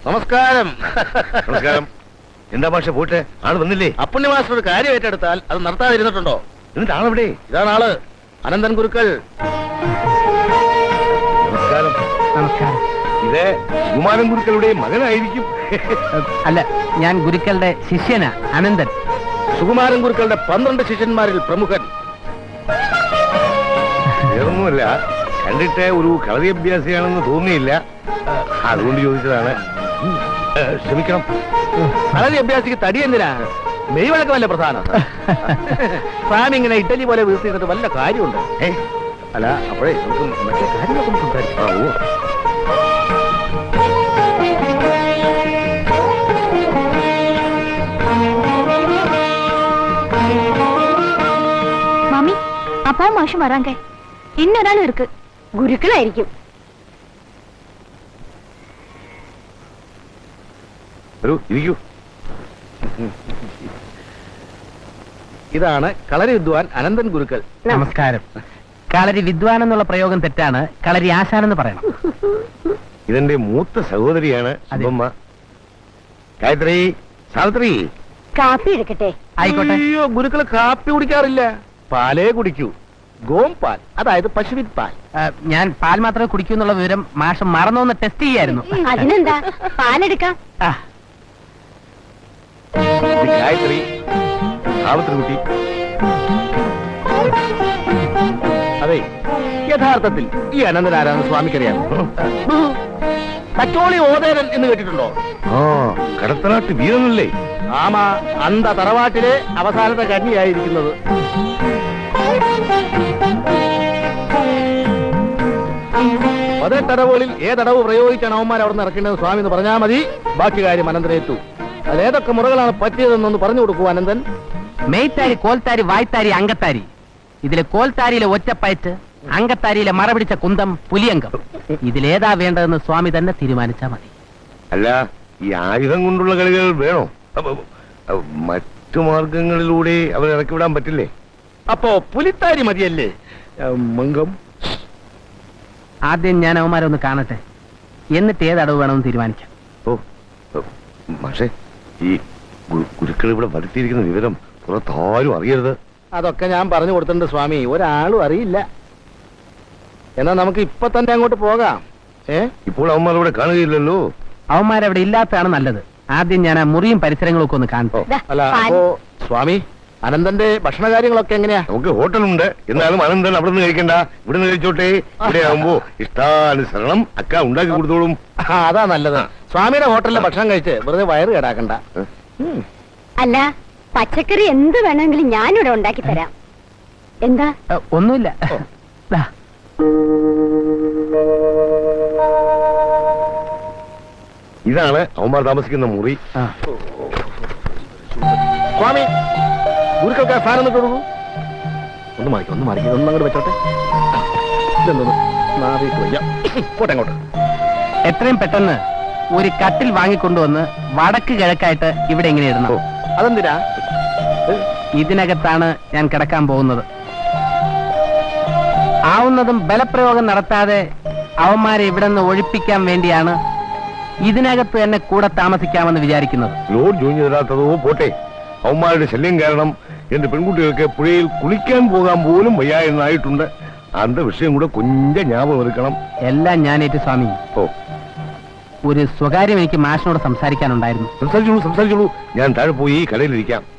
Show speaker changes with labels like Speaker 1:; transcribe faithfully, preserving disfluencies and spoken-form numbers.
Speaker 1: നമസ്കാരം.
Speaker 2: നമസ്കാരം. എന്താ പക്ഷെ പോട്ടെ ആള് വന്നില്ലേ?
Speaker 1: അപ്പുണ്യ മാസ്റ്റർ ഒരു കാര്യം ഏറ്റെടുത്താൽ അത് നടത്താതിരുന്നിട്ടുണ്ടോ?
Speaker 2: എന്നിട്ട് ആളെവിടെ?
Speaker 1: ഇതാണ് ആള്, അനന്തൻ ഗുരുക്കൾ.
Speaker 2: നമസ്കാരം.
Speaker 3: നമസ്കാരം.
Speaker 2: ഇത് കുമാരൻ ഗുരുക്കളുടെ മകനായിരിക്കും.
Speaker 3: അല്ല, ഞാൻ ഗുരുക്കളുടെ ശിഷ്യനാ, അനന്തൻ.
Speaker 1: സുകുമാരൻ ഗുരുക്കളുടെ പന്ത്രണ്ട് ശിഷ്യന്മാരിൽ പ്രമുഖൻ.
Speaker 2: വേറൊന്നുമല്ല, കണ്ടിട്ട് ഒരു കളരി അഭ്യാസിയാണെന്ന് തോന്നിയില്ല, അതുകൊണ്ട് ചോദിച്ചതാണ്. ക്ഷമിക്കണം.
Speaker 1: കളരി അഭ്യാസിക്ക് തടി എന്തിനാ? മെയ് വഴക്കമല്ലേ പ്രധാനം? സ്വാമി ഇങ്ങനെ ഇറ്റലി പോലെ വീഴ്ത്തിയിട്ട് വല്ല കാര്യമുണ്ട്?
Speaker 2: ഏ
Speaker 1: അല്ല, അപ്പോഴേ നമുക്ക് മറ്റേ കാര്യങ്ങളൊക്കെ സംസാരിക്കാം.
Speaker 2: ആ, ഓ.
Speaker 4: மாமி, அப்பாவும் மாஷும் வராங்க. இன்னொரு இருக்கு, குருக்களாയിരിക്കും.
Speaker 2: വരൂ, ഇരിക്കൂ.
Speaker 1: ഇതാണ് കളരി വിദ്വാൻ അനന്തൻ ഗുരുക്കൾ.
Speaker 3: നമസ്കാരം. കളരി വിദ്വാൻ എന്നുള്ള പ്രയോഗം തെറ്റാണ്, കളരി ആശാനെന്ന് പറയണം.
Speaker 2: ഇതെന്റെ മൂത്ത സഹോദരിയാണ് സുബ്ബമ്മ. ഗായത്രി, സാവിത്രി.
Speaker 4: കാപ്പി എടുക്കട്ടെ?
Speaker 3: ആയിക്കോട്ടെ.
Speaker 1: അയ്യോ, ഗുരുക്കൾ കാപ്പി കുടിക്കാറില്ല, പാലേ കുടിക്കൂ. ഗോം പാൽ, അതായത് പശുവിൻ പാൽ.
Speaker 3: ആ, ഞാൻ പാൽ മാത്രമേ കുടിക്കൂ എന്നുള്ള വിവരം മാഷം മറന്നോന്ന് ടെസ്റ്റ് ചെയ്യായിരുന്നു.
Speaker 4: അതിനെന്താ, പാലെടുക്കാം.
Speaker 3: ആ,
Speaker 2: ഇത് ഗായത്രി, സാവിത്രി കുട്ടി.
Speaker 1: അതെ, യഥാർത്ഥത്തിൽ ഈ അനന്തൻ ആരാന്ന് സ്വാമിക്കറിയാം. കച്ചോളി ഓതേരൻ എന്ന് കേട്ടിട്ടുണ്ടോ?
Speaker 2: ആ, കടത്തനാട്ട് വീരനല്ലേ?
Speaker 1: ആമാ, അന്ത തറവാട്ടിലെ അവസാനത്തെ കന്യായിരിക്കുന്നത്. പതിനെട്ടടവുകളിൽ ഏതടവ് പ്രയോഗിച്ചാണ് അവന്മാർ അവിടെ നിന്ന് ഇറക്കേണ്ടത് സ്വാമി എന്ന് പറഞ്ഞാൽ മതി, ബാക്കി കാര്യം അനന്തനേറ്റു. അതിലേതൊക്കെ മുറകളാണ് പറ്റിയതെന്നൊന്ന് പറഞ്ഞു കൊടുക്കൂ അനന്തൻ.
Speaker 3: മെയ്ത്താരി, കോൽത്താരി, വായ്ത്താരി, അങ്കത്താരി. ഇതിലെ കോൽത്താരിയിലെ ഒറ്റപ്പയറ്റ്, അങ്കത്താരിയിലെ മറപിടിച്ച കുന്തം, പുലിയങ്കം. ഇതിലേതാ വേണ്ടതെന്ന് സ്വാമി തന്നെ തീരുമാനിച്ചാൽ മതി.
Speaker 2: അല്ല, ഈ ആയുധം കൊണ്ടുള്ള കളികൾ വേണോ? അപ്പൊ, അപ്പൊ, മറ്റു മാർഗങ്ങളിലൂടെ അവരെ ഇറക്കി വിടാൻ പറ്റില്ലേ?
Speaker 1: അപ്പോ പുലിത്താരി മതിയല്ലേ? മംഗം.
Speaker 3: ആദ്യം ഞാൻ അവന്മാരെ ഒന്ന് കാണട്ടെ, എന്നിട്ട് ഏതടവ് വേണമെന്ന് തീരുമാനിക്കാം.
Speaker 2: ഓ, പക്ഷേ ഈ ഗുരുക്കൾ ഇവിടെ വരുത്തിയിരിക്കുന്ന വിവരം പുറത്താരും അറിയരുത്.
Speaker 1: അതൊക്കെ ഞാൻ പറഞ്ഞു കൊടുത്തിട്ടുണ്ട് സ്വാമി, ഒരാളും അറിയില്ല. എന്നാ നമുക്ക് ഇപ്പൊ തന്നെ അങ്ങോട്ട് പോകാം. ഏ
Speaker 2: ഇപ്പോൾ അവന്മാർ ഇവിടെ കാണുകയില്ലല്ലോ.
Speaker 3: അവന്മാരവിടെ ഇല്ലാത്തതാണ് നല്ലത്. ആദ്യം ഞാൻ ആ മുറിയും പരിസരങ്ങളും ഒക്കെ ഒന്ന് കാണട്ടെ.
Speaker 1: അല്ല, അപ്പോ സ്വാമി, അനന്തന്റെ ഭക്ഷണ കാര്യങ്ങളൊക്കെ എങ്ങനെയാ?
Speaker 2: നമുക്ക് ഹോട്ടലുണ്ട്, എന്നാലും അനന്തൻ അവിടെ നിന്ന് കഴിക്കണ്ട, ഇവിടെ നിന്ന് കഴിച്ചോട്ടെ. ഇവിടെ ആകുമ്പോ ഇഷ്ടാനുസരണം അക്ക ഉണ്ടാക്കി കൊടുത്തോളും.
Speaker 1: ആ, അതാ നല്ലത്. സ്വാമിയുടെ ഹോട്ടലിലെ ഭക്ഷണം കഴിച്ച് വെറുതെ വയറ് കേടാക്കണ്ട.
Speaker 4: അല്ല, പച്ചക്കറി എന്ത് വേണമെങ്കിലും ഞാനിവിടെ ഉണ്ടാക്കി തരാം. എന്താ?
Speaker 3: ഏ, ഒന്നുമില്ല. ദാ.
Speaker 2: ഇതാണ് അവന്മാർ താമസിക്കുന്ന മുറി.
Speaker 3: ആ.
Speaker 1: സ്വാമി, ഗുരുക്കൾക്ക് ഫാൻ ഒന്ന് കൊടുക്കൂ. ഒന്ന് മാറിക്കും, ഒന്ന് മാറിക്കും, ഒന്ന് അങ്ങോട്ട് വെച്ചോട്ടെ. ഇതെന്തോന്ന് മാറിയിട്ട് വയ്യ. പോട്ടെ അങ്ങോട്ട്.
Speaker 3: എത്രയും പെട്ടെന്ന് ഒരു കട്ടിൽ വാങ്ങിക്കൊണ്ടുവന്ന് വടക്ക് കിഴക്കായിട്ട് ഇവിടെ ഇങ്ങനെ ഇടണം.
Speaker 1: അതെന്തിനാ?
Speaker 3: ഇതിനകത്താണ് ഞാൻ കിടക്കാൻ പോകുന്നത്. ആവുന്നതും ബലപ്രയോഗം നടത്താതെ അവന്മാരെ ഇവിടെ നിന്ന് ഒഴിപ്പിക്കാൻ വേണ്ടിയാണ് ഇതിനകത്ത് തന്നെ കൂടെ താമസിക്കാമെന്ന് വിചാരിക്കുന്നത്.
Speaker 2: ലോഡ് ജോയിൻ തരാത്തതോ പോട്ടെ, അവന്മാരുടെ ശല്യം കാരണം എന്റെ പെൺകുട്ടികൾക്ക് പുഴയിൽ കുളിക്കാൻ പോകാൻ പോലും വയ്യ എന്നായിട്ടുണ്ട്. അന്ത വിഷയം കൂടെ കൊഞ്ച ജ്ഞാപകം എടുക്കണം.
Speaker 3: എല്ലാം ഞാനേറ്റ് സ്വാമി.
Speaker 2: ഓ,
Speaker 3: ഒരു സ്വകാര്യം എനിക്ക് മാഷിനോട് സംസാരിക്കാനുണ്ടായിരുന്നു.
Speaker 2: സംസാരിച്ചോളൂ, സംസാരിച്ചോളൂ. ഞാൻ താഴെ പോയി കടയിലിരിക്കാം.